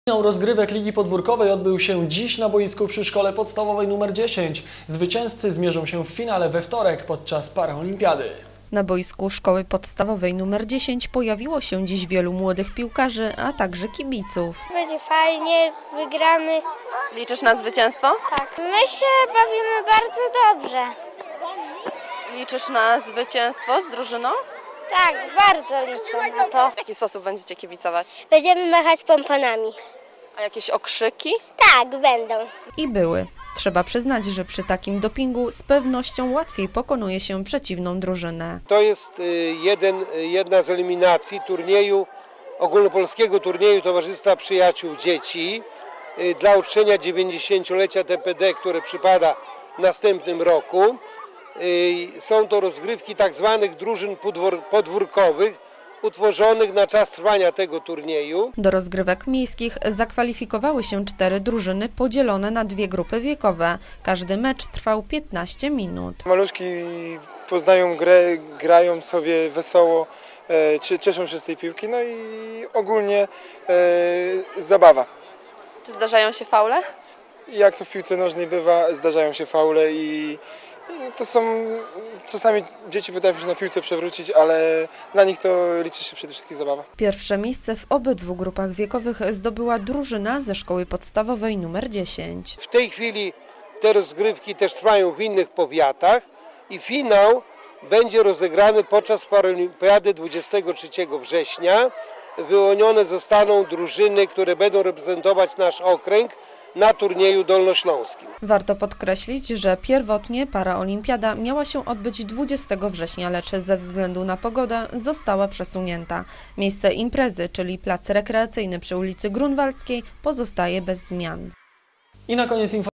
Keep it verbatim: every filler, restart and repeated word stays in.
Finał rozgrywek Ligi Podwórkowej odbył się dziś na boisku przy Szkole Podstawowej numer dziesięć. Zwycięzcy zmierzą się w finale we wtorek podczas paraolimpiady. Na boisku Szkoły Podstawowej numer dziesięć pojawiło się dziś wielu młodych piłkarzy, a także kibiców. Będzie fajnie, wygramy. Liczysz na zwycięstwo? Tak. My się bawimy bardzo dobrze. Liczysz na zwycięstwo z drużyną? Tak, bardzo liczę na to. W jaki sposób będziecie kibicować? Będziemy machać pomponami. A jakieś okrzyki? Tak, będą. I były. Trzeba przyznać, że przy takim dopingu z pewnością łatwiej pokonuje się przeciwną drużynę. To jest jeden, jedna z eliminacji turnieju, ogólnopolskiego turnieju Towarzystwa Przyjaciół Dzieci dla uczczenia dziewięćdziesięciolecia T P D, które przypada w następnym roku. Są to rozgrywki tak zwanych drużyn podwórkowych, utworzonych na czas trwania tego turnieju. Do rozgrywek miejskich zakwalifikowały się cztery drużyny podzielone na dwie grupy wiekowe. Każdy mecz trwał piętnaście minut. Maluszki poznają grę, grają sobie wesoło, cieszą się z tej piłki, no i ogólnie e, zabawa. Czy zdarzają się faule? Jak to w piłce nożnej bywa, zdarzają się faule i i to są, czasami dzieci potrafią się na piłce przewrócić, ale dla nich to liczy się przede wszystkim zabawa. Pierwsze miejsce w obydwu grupach wiekowych zdobyła drużyna ze Szkoły Podstawowej numer dziesięć. W tej chwili te rozgrywki też trwają w innych powiatach i finał będzie rozegrany podczas paraolimpiady dwudziestego trzeciego września. Wyłonione zostaną drużyny, które będą reprezentować nasz okręg na turnieju dolnośląskim. Warto podkreślić, że pierwotnie paraolimpiada miała się odbyć dwudziestego września, lecz ze względu na pogodę została przesunięta. Miejsce imprezy, czyli plac rekreacyjny przy ulicy Grunwaldzkiej, pozostaje bez zmian. I na koniec informacja.